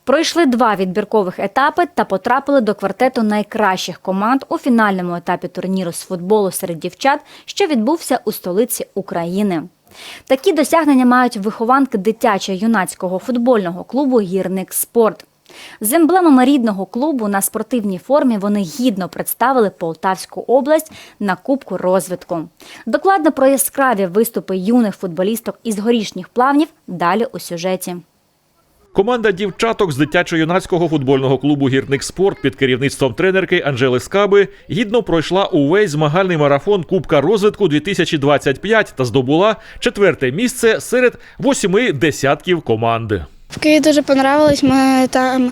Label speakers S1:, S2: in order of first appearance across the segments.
S1: Пройшли 2 відбіркових етапи та потрапили до квартету найкращих команд у фінальному етапі турніру з футболу серед дівчат, що відбувся у столиці України. Такі досягнення мають вихованки дитячо-юнацького футбольного клубу «Гірник Спорт». З емблемами рідного клубу на спортивній формі вони гідно представили Полтавську область на Кубку розвитку. Докладно про яскраві виступи юних футболісток із Горішніх Плавнів далі у сюжеті.
S2: Команда дівчаток з дитячо-юнацького футбольного клубу «Гірник Спорт» під керівництвом тренерки Анжели Скаби гідно пройшла увесь змагальний марафон Кубка розвитку 2025 та здобула 4-те місце серед 8 десятків команд.
S3: В Києві дуже понравилось, ми там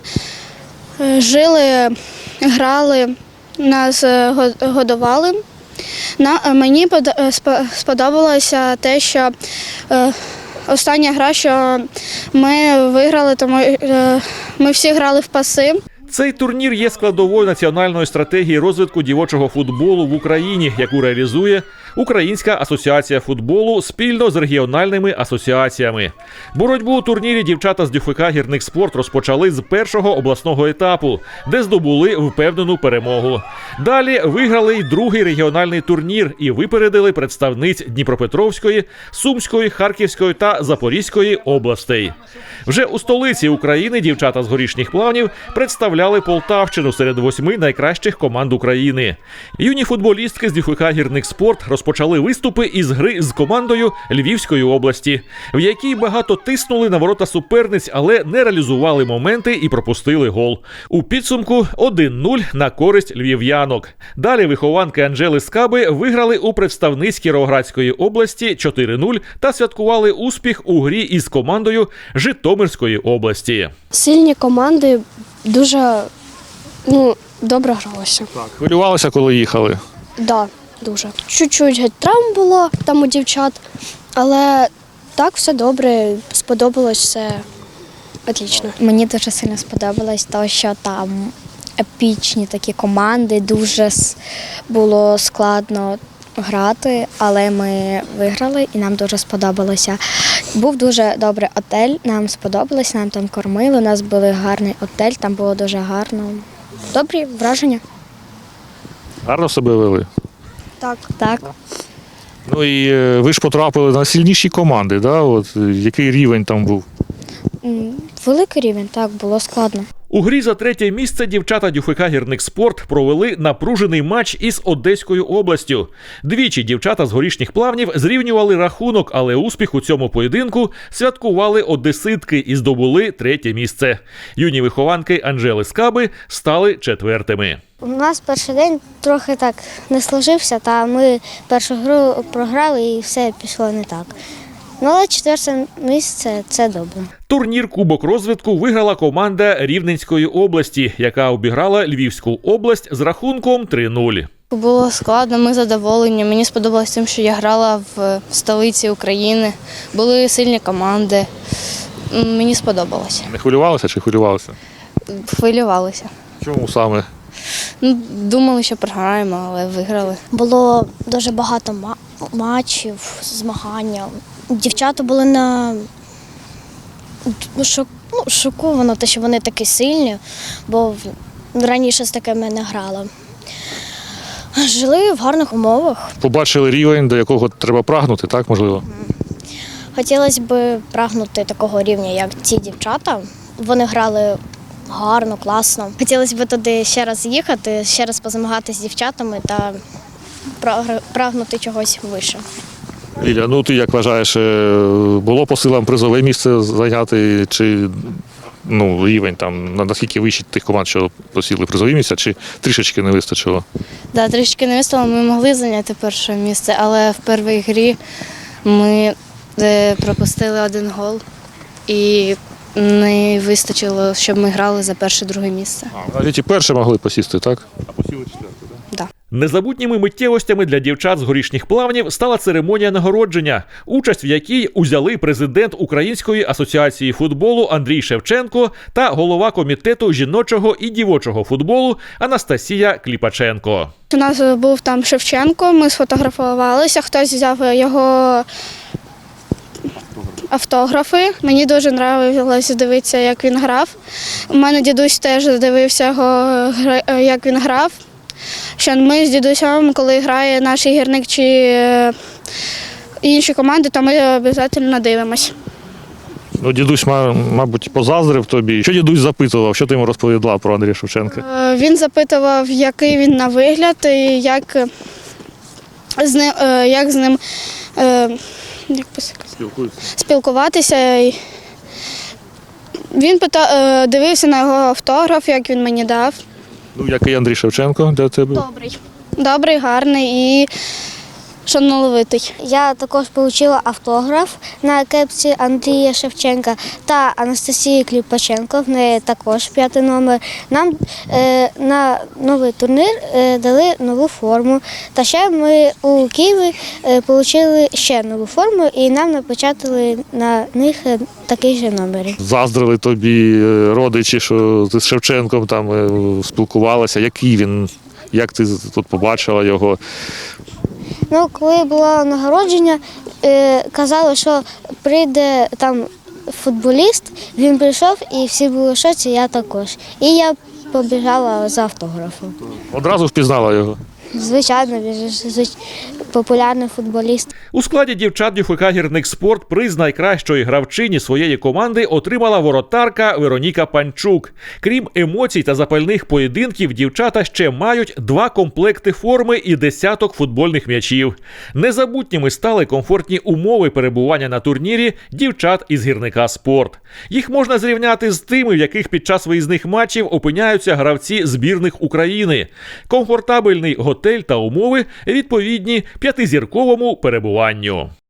S3: жили, грали, нас годували. Мені сподобалося те, що остання гра, що ми виграли, тому ми всі грали в паси.
S2: Цей турнір є складовою національної стратегії розвитку дівочого футболу в Україні, яку реалізує Українська асоціація футболу спільно з регіональними асоціаціями. Боротьбу у турнірі дівчата з ДЮФК «Гірник Спорт» розпочали з першого обласного етапу, де здобули впевнену перемогу. Далі виграли й другий регіональний турнір і випередили представниць Дніпропетровської, Сумської, Харківської та Запорізької областей. Вже у столиці України дівчата з Горішніх Плавнів представляли Полтавщину серед 8 найкращих команд України. Юні футболістки з ДЮФК «Гірник Спорт» розпочали виступи із гри з командою Львівської області, в якій багато тиснули на ворота суперниць, але не реалізували моменти і пропустили гол. У підсумку 1-0 на користь львів'янок. Далі вихованки Анжели Скаби виграли у представниць Кіровоградської області 4-0 та святкували успіх у грі із командою Житомирської області.
S3: Сильні команди дуже добре гралися.
S4: Так, хвилювалися, коли їхали?
S3: Так, дуже. Чуть-чуть травм було там у дівчат, але так все добре, сподобалось все отлично.
S5: Мені дуже сильно сподобалось те, що там епічні такі команди, дуже було складно грати, але ми виграли і нам дуже сподобалося. Був дуже добрий отель, нам сподобалось, нам там кормили, у нас був гарний отель, там було дуже гарно. Добрі враження.
S4: Гарно себе вели?
S5: Так.
S4: Ну і ви ж потрапили на сильніші команди, да? От, який рівень там був?
S5: Великий рівень, так, було складно.
S2: У грі за 3-те місце дівчата ДЮФК «Гірник Спорт» провели напружений матч із Одеською областю. Двічі дівчата з Горішніх Плавнів зрівнювали рахунок, але успіх у цьому поєдинку святкували одеситки і здобули 3-те місце. Юні вихованки Анжели Скаби стали 4-тими.
S6: У нас перший день трохи так не сложився, та ми першу гру програли і все пішло не так. Ну, але 4-те місце – це добре.
S2: Турнір «Кубок розвитку» виграла команда Рівненської області, яка обіграла Львівську область з рахунком 3-0.
S3: Було складно, ми задоволені. Мені сподобалось тим, що я грала в столиці України. Були сильні команди. Мені сподобалося.
S4: Не хвилювалися чи хвилювалися?
S3: Хвилювалися.
S4: Чому саме?
S3: Думали, що програємо, але виграли.
S6: Було дуже багато матчів, змагання. Дівчата були шоковані, те, що вони такі сильні, бо раніше з такими не грала. Жили в гарних умовах.
S4: Побачили рівень, до якого треба прагнути, так, можливо?
S6: Хотілося б прагнути такого рівня, як ці дівчата. Вони грали гарно, класно. Хотілося б туди ще раз їхати, ще раз позмагатися з дівчатами та прагнути чогось вище.
S4: Ліля, ну ти як вважаєш, було по силам призове місце зайняти, чи рівень там, наскільки вищий тих команд, що посіли призові місця, чи трішечки не вистачило?
S3: Так, трішки не вистачило, ми могли зайняти перше місце, але в першій грі ми пропустили 1 гол і не вистачило, щоб ми грали за перше-друге місце.
S4: Навіть і перше могли посісти, так? А посіли 4-те, так?
S2: Незабутніми миттєвостями для дівчат з Горішніх Плавнів стала церемонія нагородження, участь в якій узяли президент Української асоціації футболу Андрій Шевченко та голова комітету жіночого і дівочого футболу Анастасія Кліпаченко.
S3: У нас був там Шевченко, ми сфотографувалися, хтось взяв його
S7: автографи. Мені дуже подобалося дивитися, як він грав. У мене дідусь теж дивився як він грав. Що ми з дідусем, коли грає наш гірник чи інші команди, то ми обов'язково дивимося.
S4: Ну, дідусь, мабуть, позаздрив тобі. Що дідусь запитував, що ти йому розповідала про Андрія Шевченка?
S7: Він запитував, який він на вигляд, і як з ним спілкуватися. Він дивився на його автограф, як він мені дав.
S4: Ну, який Андрій Шевченко для тебе?
S7: Добрий, гарний і шановитий.
S5: Я також отримала автограф на кепці Андрія Шевченка та Анастасії Кліпаченко, в неї також 5-й номер. Нам на новий турнір дали нову форму. Та ще ми у Києві отримали ще нову форму і нам напечатали на них такий же номер.
S4: Заздрили тобі родичі, що ти з Шевченком там спілкувалася. Який він? Як ти тут побачила його?
S5: Ну, коли було нагородження, казали, що прийде там футболіст, він прийшов і всі були в шоці, я також. І я побіжала за автографом.
S4: Одразу впізнала його?
S5: Звичайно, він ж популярний футболіст.
S2: У складі дівчат ДЮФК «Гірник Спорт» приз найкращої гравчині своєї команди отримала воротарка Вероніка Панчук. Крім емоцій та запальних поєдинків, дівчата ще мають 2 комплекти форми і десяток футбольних м'ячів. Незабутніми стали комфортні умови перебування на турнірі дівчат із «Гірника Спорт». Їх можна зрівняти з тими, в яких під час виїзних матчів опиняються гравці збірних України. Комфортабельний готель та умови відповідні 5-зірковому перебуванню.